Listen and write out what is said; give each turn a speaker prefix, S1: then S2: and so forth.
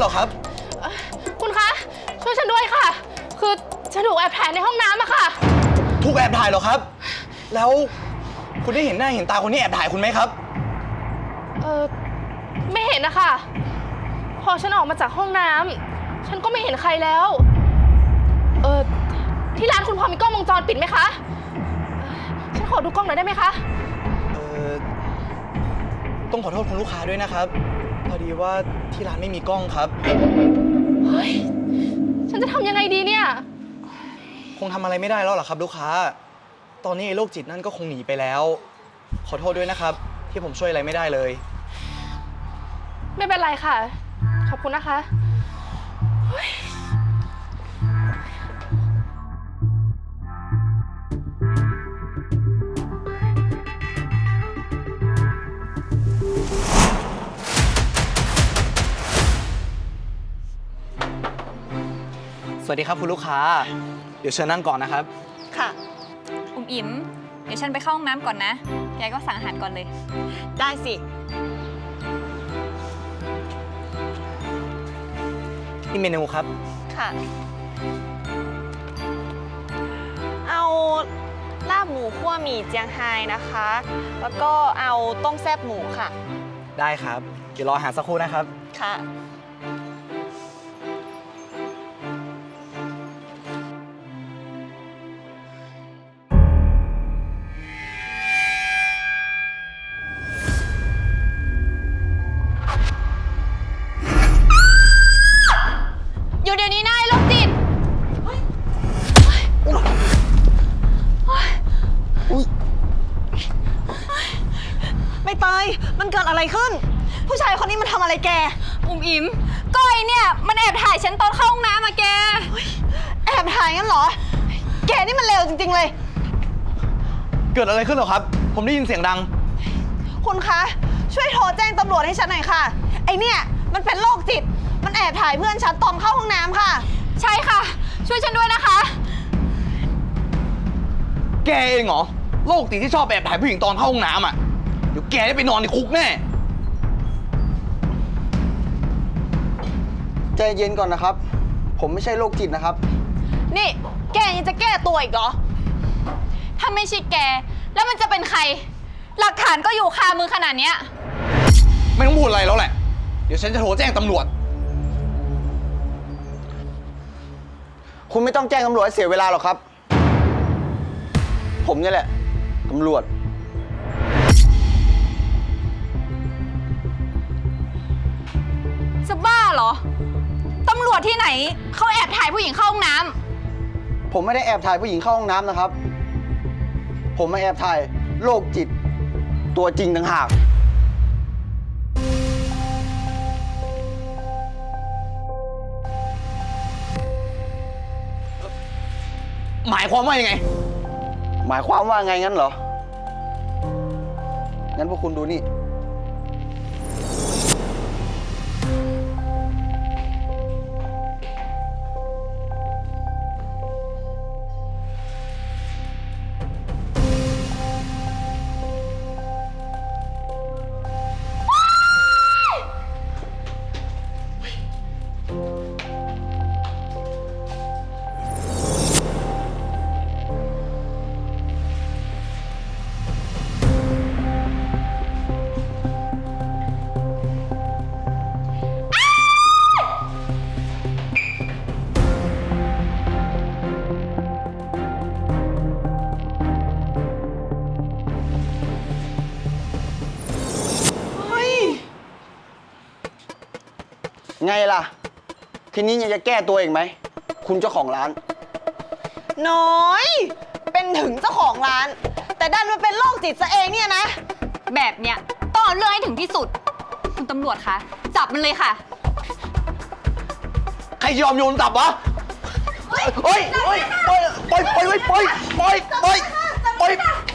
S1: รอครับ
S2: คุณคะช่วยฉันด้วยค่ะคือฉันถูกแอบถ่ายในห้องน้ำอะค่ะ
S1: ถูกแอบถ่ายเหรอครับแล้วคุณได้เห็นหน้าเห็นตาคนที่แอบถ่ายคุณไหมครับ
S2: ไม่เห็นนะคะพอฉันออกมาจากห้องน้ำฉันก็ไม่เห็นใครแล้วที่ร้านคุณพอมีกล้องวงจรปิดไหมคะฉันขอดูกล้องหน่อยได้ไหมคะ
S1: ต้องขอโทษคุณลูกค้าด้วยนะครับพอดีว่าที่ร้านไม่มีกล้องครับ
S2: เฮ้ยฉันจะทำยังไงดีเนี่ย
S1: คงทำอะไรไม่ได้แล้วหรอครับลูกค้าตอนนี้โรคจิตนั่นก็คงหนีไปแล้วขอโทษด้วยนะครับที่ผมช่วยอะไรไม่ได้เลย
S2: ไม่เป็นไรค่ะขอบคุณนะคะ
S1: สวัสดีครับคุณลูกค้าเดี๋ยวเชิญนั่งก่อนนะครับ
S3: ค่ะ
S4: อิ๋มเดี๋ยวฉันไปเข้าห้องน้ำก่อนนะแกก็สั่งอาหารก่อนเลย
S3: ได้สิ
S1: นี่เมนูครับ
S3: ค่ะเอาลาบหมูคั่วหมี่เจียงไฮ้นะคะแล้วก็เอาต้มแซ่บหมูค่ะ
S1: ได้ครับเดี๋ยวรออาหารสักครู่นะครับ
S3: ค่ะ
S2: อยู่เดี๋ยวนี้นายโรคจิต
S3: ไม่เตยมันเกิดอะไรขึ้นผู้ชายคนนี้มันทำอะไรแก
S4: อิ๋มก้อยเนี่ยมันแอบถ่ายฉันตอนเข้าห้องน้ำอะแก
S3: แอบถ่ายงั้นเหรอแกนี่มันเลวจริงๆเลย
S1: เกิดอะไรขึ้นเหรอครับผมได้ยินเสียงดัง
S3: คุณคะช่วยโทรแจ้งตำรวจให้ฉันหน่อยค่ะไอเนี่ยมันเป็นโรคจิตมันแอบถ่ายเพื่อนฉันตอนเข้าห้องน้ำค่ะ
S4: ใช่ค่ะช่วยฉันด้วยนะคะ
S1: แกเองเหรอโรคจิตที่ชอบแอบถ่ายผู้หญิงตอนเข้าห้องน้ำอ่ะเดี๋ยวแกได้ไปนอนในคุกแน่
S5: ใจเย็นก่อนนะครับผมไม่ใช่โรคจิตนะครับ
S3: นี่แกยังจะแก้ตัวอีกเหรอ
S4: ถ้าไม่ใช่แกแล้วมันจะเป็นใครหลักฐานก็อยู่คามือขนาดเนี้ย
S1: ไม่ต้องพูดอะไรแล้วแหละเดี๋ยวฉันจะโทรแจ้งตำรวจ
S5: คุณไม่ต้องแจ้งตำรวจให้เสียเวลาหรอกครับผมนี่แหละตำรวจ
S4: จะบ้าเหรอตำรวจที่ไหนเขาแอบถ่ายผู้หญิงเข้าห้องน้ำ
S5: ผมไม่ได้แอบถ่ายผู้หญิงเข้าห้องน้ำนะครับผมมาแอบถ่ายโรคจิตตัวจริงต่างหาก
S1: หมายความว่ายังไง
S5: หมายความว่าไงงั้นเหรองั้นพวกคุณดูนี่ไงล่ะทีนี้ยังจะแก้ตัวอีกไหมคุณเจ้าของร้าน
S3: น้อยเป็นถึงเจ้าของร้านแต่ดันมาเป็นโรคจิตซะเองเนี่ยนะ
S4: แบบเนี้ยต้องเอาเรื่องให้ถึงที่สุดคุณตำรวจคะจับมันเลยค่ะ
S1: ใครยอมโยนจับวะเฮ้ยปล่อย